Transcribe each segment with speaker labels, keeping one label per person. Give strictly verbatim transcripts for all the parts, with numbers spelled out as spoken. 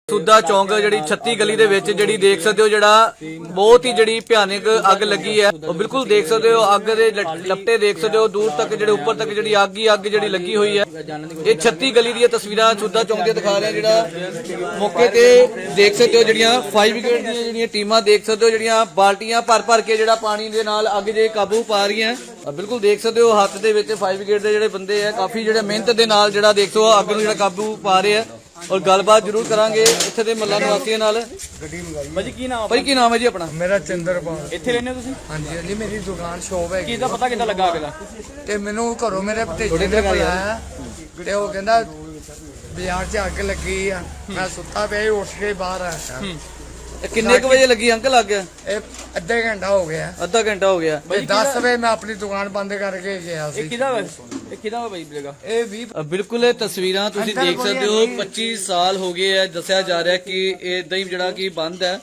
Speaker 1: ਸੁੱਧਾ ਚੌਂਕ ਜਿਹੜੀ ਛੱਤੀ ਗਲੀ ਦੇ ਵਿੱਚ ਜਿਹੜੀ ਦੇਖ ਸਕਦੇ ਹੋ ਜਿਹੜਾ ਬਹੁਤ ਹੀ ਜਿਹੜੀ ਭਿਆਨਕ ਅੱਗ ਲੱਗੀ ਹੈ ਉਹ ਬਿਲਕੁਲ ਦੇਖ ਸਕਦੇ ਹੋ ਅੱਗ ਦੇ ਲਪਟੇ ਦੇਖ ਸਕਦੇ ਹੋ ਦੂਰ ਤੱਕ ਜਿਹੜੇ ਉੱਪਰ ਤੱਕ ਜਿਹੜੀ ਅੱਗ ਹੀ ਅੱਗ ਜਿਹੜੀ ਲੱਗੀ ਹੋਈ ਹੈ। ਇਹ ਛੱਤੀ ਗਲੀ ਦੀਆਂ ਤਸਵੀਰਾਂ ਸੁੱਧਾ ਚੌਂਕ ਦੀਆਂ ਦਿਖਾ ਰਿਹਾ ਜਿਹੜਾ ਮੌਕੇ ਤੇ ਦੇਖ ਸਕਦੇ ਹੋ ਜਿਹੜੀਆਂ ਫਾਇਰ ਬ੍ਰਿਗੇਡ ਦੀਆਂ ਜਿਹੜੀਆਂ ਟੀਮਾਂ ਦੇਖ ਸਕਦੇ ਹੋ ਜਿਹੜੀਆਂ ਬਾਲਟੀਆਂ ਭਰ ਭਰ ਕੇ ਜਿਹੜਾ ਪਾਣੀ ਦੇ ਨਾਲ ਅੱਗ ਜੇ ਕਾਬੂ ਪਾ ਰਹੀਆਂ ਬਿਲਕੁਲ ਦੇਖ ਸਕਦੇ ਹੋ ਹੱਥ ਦੇ ਵਿੱਚ ਫਾਇਰ ਬ੍ਰਿਗੇਡ ਦੇ ਜਿਹੜੇ ਬੰਦੇ ਆ ਕਾਫੀ ਜਿਹੜੇ ਮਿਹਨਤ ਦੇ ਨਾਲ ਜਿਹੜਾ ਦੇਖੋ ਅੱਗ ਨੂੰ ਜਿਹੜਾ ਕਾਬੂ ਪਾ ਰਹੇ ਆ और गलबात जरूर करांगे इत्थे दे महल्ला निवासियों नाल।
Speaker 2: भाजी की नाम
Speaker 1: भाई की नाम है जी अपना?
Speaker 2: मेरा चंद्रपाल। इत्थे रहने हो तुसीं? हां जी हां जी मेरी दुकान शॉप है। किदा पता किदा लगा अगला ते मेनू घरों मेरे भतीजे ने बुलाया ते ओ कहंदा बाजार च अग लगी आ मैं सुत्ता पिया उठ के बाहर आया।
Speaker 1: किन्ने क बजे लगी अंकल अग?
Speaker 2: अद्धा घंटा हो गया।
Speaker 1: अद्धा घंटा हो गया।
Speaker 2: दस बजे मैं अपनी दुकान बंद करके गया सी। किदा ਇਹ ਕਿਹਦਾ ਵਾ ਬਾਈ ਜਗ੍ਹਾ
Speaker 1: ਇਹ ਵੀਹ ਬਿਲਕੁਲ ਇਹ ਤਸਵੀਰਾਂ ਤੁਸੀਂ ਦੇਖ ਸਕਦੇ ਹੋ ਪੱਚੀ ਸਾਲ ਹੋ ਗਏ ਹੈ ਦੱਸਿਆ ਜਾ ਰਿਹਾ ਕਿ ਇਹ ਇਦਾਂ ਹੀ ਜਿਹੜਾ ਕਿ ਬੰਦ ਹੈ।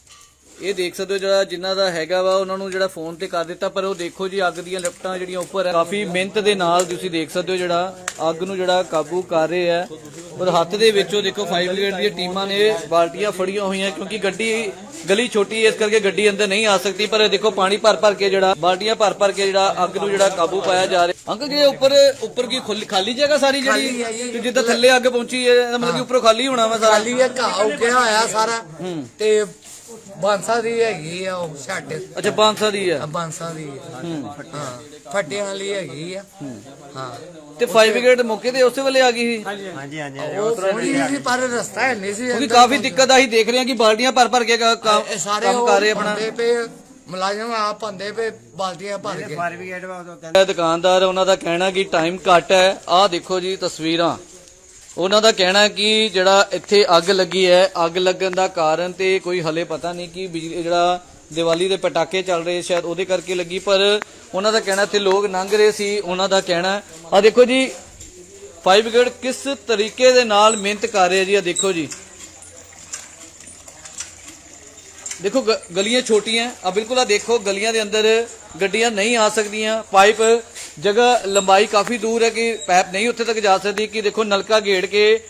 Speaker 1: ਇਹ ਦੇਖ ਸਕਦੇ ਹੋ ਜਿਹੜਾ ਜਿਨ੍ਹਾਂ ਦਾ ਹੈਗਾ ਵਾ ਉਹਨਾਂ ਨੂੰ ਜਿਹੜਾ ਫੋਨ ਤੇ ਕਰ ਦਿੱਤਾ ਪਰ ਉਹ ਦੇਖੋ ਜੀ ਅੱਗ ਦੀਆਂ ਲਿਫਟਾਂ ਜਿਹੜੀਆਂ ਉੱਪਰ ਹੈ ਕਾਫੀ ਮਿਹਨਤ ਦੇ ਨਾਲ ਤੁਸੀਂ ਦੇਖ ਸਕਦੇ ਹੋ ਜਿਹੜਾ ਅੱਗ ਨੂੰ ਜਿਹੜਾ ਕਾਬੂ ਕਰ ਰਹੇ ਹੈ ਔਰ ਹੱਥ ਦੇ ਵਿੱਚੋਂ ਦੇਖੋ ਫਾਇਰ ਬ੍ਰਿਗੇਡ ਦੀਆਂ ਟੀਮਾਂ ਨੇ ਬਾਲਟੀਆਂ ਫੜੀਆਂ ਹੋਈਆਂ ਕਿਉਂਕਿ ਗੱਡੀ ਗਲੀ ਛੋਟੀ ਹੈ ਇਸ ਕਰਕੇ ਗੱਡੀ ਅੰਦਰ ਨਹੀਂ ਆ ਸਕਦੀ ਪਰ ਦੇਖੋ ਪਾਣੀ ਭਰ ਭਰ ਕੇ ਜਿਹੜਾ ਬਾਲਟੀਆਂ ਭਰ ਭਰ ਕੇ ਜਿਹੜਾ ਅੱਗ ਨੂੰ ਜਿਹੜਾ ਕਾਬੂ ਪਾਇਆ ਜਾ ਰਿਹਾ। ਅੰਕਲ ਜੀ ਉੱਪਰ ਉੱਪਰ ਕੀ ਖਾਲੀ ਜਗ੍ਹਾ ਸਾਰੀ ਜਿਹੜੀ ਜਿੱਦਾਂ ਥੱਲੇ ਅੱਗ ਪਹੁੰਚੀ ਹੈ ਮਤਲਬ ਕਿ ਉੱਪਰੋਂ ਖਾਲੀ ਹੋਣਾ ਵਾ ਸਾਰਾ?
Speaker 2: ਖਾਲੀ ਹੈ ਘਾਹ ਉੱਗਿਆ ਹੋਇਆ ਸਾਰਾ ਤੇ ਬਾਂਸਾ ਦੀ ਹੈਗੀ ਆ ਉਹ ਛੱਡ।
Speaker 1: ਅੱਛਾ ਬਾਂਸਾ ਦੀ ਆ
Speaker 2: ਬਾਂਸਾ ਦੀ ਹਾਂ ਫੱਟਿਆਂ ਵਾਲੀ ਹੈਗੀ ਆ ਹਾਂ।
Speaker 1: ਤੇ ਫਾਇਰ ਬ੍ਰਿਗੇਡ ਮੌਕੇ ਤੇ ਉਸੇ ਵੇਲੇ ਆ ਗਈ ਸੀ?
Speaker 2: ਹਾਂਜੀ ਹਾਂਜੀ ਉਹ ਥੋੜੀ ਸੀ ਪਰ ਰਸਤਾ ਹੈ ਨਹੀਂ ਸੀ
Speaker 1: ਕਿਉਂਕਿ ਕਾਫੀ ਦਿੱਕਤ ਆਹੀ ਦੇਖ ਰਹੇ ਹਾਂ ਕਿ ਬਾਲਟੀਆਂ ਭਰ ਭਰ ਕੇ ਕੰਮ ਕਰ ਰਹੇ ਆਪਣਾ
Speaker 2: ਮੁਲਾਜ਼ਮ ਆ ਪੰਦੇ ਪੇ ਬਾਲਟੀਆਂ ਭਰ ਕੇ। ਫਾਇਰ ਬ੍ਰਿਗੇਡ
Speaker 1: ਕਹਿੰਦਾ ਦੁਕਾਨਦਾਰ ਉਹਨਾਂ ਦਾ ਕਹਿਣਾ ਕਿ ਟਾਈਮ ਘੱਟ ਹੈ। ਆਹ ਦੇਖੋ ਜੀ ਤਸਵੀਰਾਂ ਉਹਨਾਂ ਦਾ ਕਹਿਣਾ ਕਿ ਜਿਹੜਾ ਇੱਥੇ ਅੱਗ ਲੱਗੀ ਹੈ ਅੱਗ ਲੱਗਣ ਦਾ ਕਾਰਨ ਤੇ ਕੋਈ ਹਲੇ ਪਤਾ ਨਹੀਂ ਕਿ ਬਿਜਲੀ ਜਿਹੜਾ ਦੀਵਾਲੀ ਦੇ ਪਟਾਕੇ ਚੱਲ ਰਹੇ ਸ਼ਾਇਦ ਉਹਦੇ ਕਰਕੇ ਲੱਗੀ ਪਰ ਉਹਨਾਂ ਦਾ ਕਹਿਣਾ ਇੱਥੇ ਲੋਕ ਲੰਘ ਰਹੇ ਸੀ ਉਹਨਾਂ ਦਾ ਕਹਿਣਾ। ਆ ਦੇਖੋ ਜੀ ਫਾਇਰ ਬ੍ਰਿਗੇਡ ਕਿਸ ਤਰੀਕੇ ਦੇ ਨਾਲ ਮਿਹਨਤ ਕਰ ਰਹੇ ਜੀ। ਆ ਦੇਖੋ ਜੀ ਦੇਖੋ ਗਲੀਆਂ ਛੋਟੀਆਂ ਆ ਬਿਲਕੁਲ ਆ ਦੇਖੋ ਗਲੀਆਂ ਦੇ ਅੰਦਰ ਗੱਡੀਆਂ ਨਹੀਂ ਆ ਸਕਦੀਆਂ ਪਾਈਪ ਜਗ੍ਹਾ ਲੰਬਾਈ ਕਾਫੀ ਦੂਰ ਹੈ ਕਿ ਪਾਈਪ ਨਹੀਂ ਉੱਥੇ ਤੱਕ ਜਾ ਸਕਦੀ ਕਿ ਦੇਖੋ ਨਲਕਾ ਘੇੜ ਕੇ